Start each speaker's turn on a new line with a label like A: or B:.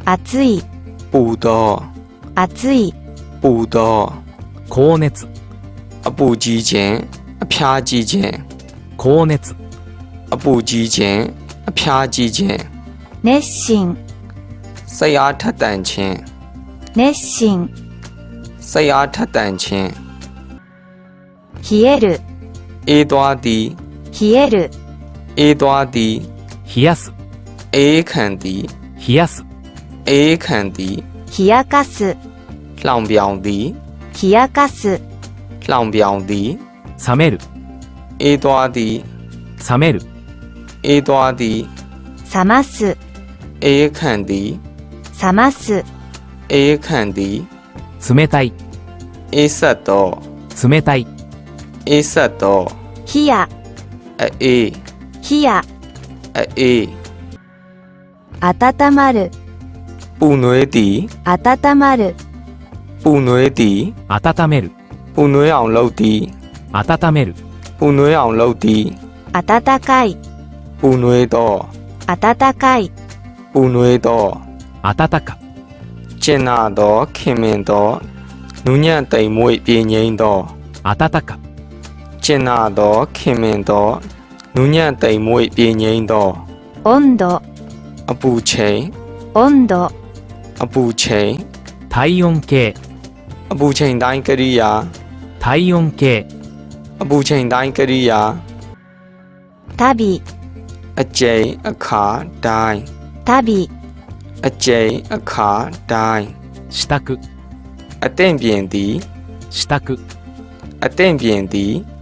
A: 暑い、
B: ပူသော
A: 暑い、
B: ပူသော
C: 高熱、
B: အပူကြီးခြင်းအဖျားကြီးခြင်း
C: 高熱、
B: အပူကြီးခြင်းအဖျားကြီးခြင်း
A: 熱心、
B: စိတ်အားထက်သန်ခြင်း
A: 熱心、
B: စိတ်အားထက်သန်ခြင်း
A: 冷える、
B: အေးသွားသည်
A: 冷える、
B: အေးသွားသည်
C: 冷やす、
B: အေးခံသည်
C: 冷やす、
B: အေးခံသည်
A: 冷やかす、
B: လှောင်ပြောင်သည်
A: 冷やかす、
B: လှောင်ပြောင်သည်
C: 冷める、
B: အေးသွားသည်
C: 冷める、
B: အေးသွားသည်
A: 冷ます、
B: အေးခံသည်
A: 冷ます、
B: အေးခံသည်
C: 冷たい、
B: အေးဆက်သော
C: 冷たい、
B: အေးဆက်သော
A: 冷や、
B: အေး
A: 冷や、
B: အေး
A: 温まる、
B: ပူနွေးသည်
A: 温まる、
B: ပူနွေးသည်
C: 温める、
B: ပူနွေးအောင်လုပ်သည်
C: 温める、
B: ပူနွေးအောင်လုပ်သည်
A: 温かい、
B: ပူနွေးသော
A: 温かい、
B: ပူနွေးသော
C: 温か、
B: ကျင်နာသောခင်မင်သောနူးညံ့သိမ်မွေ့ပြင်းငိမ့်သော
C: 温か、
B: ကျင်နာသောခင်မင်သောနူးညံ့သိမ်မွေ့ပြင်းငိမ့်သော
A: 温度、
B: အပူချိန်
A: 温度、
B: အပူချိန်
C: 体温計、
B: အပူချိန်တိုင်းကရိယာ
C: 体温計、
B: အပူချိန်တိုင်းကရိယာ
A: 旅、
B: အကျိန်အခါတိုင်း
A: 旅、
B: အကျိန်အခါတိုင်း
C: 支度、
B: အသင့်ပြင်သည်
C: 支度、
B: အသင့်ပြင်သည်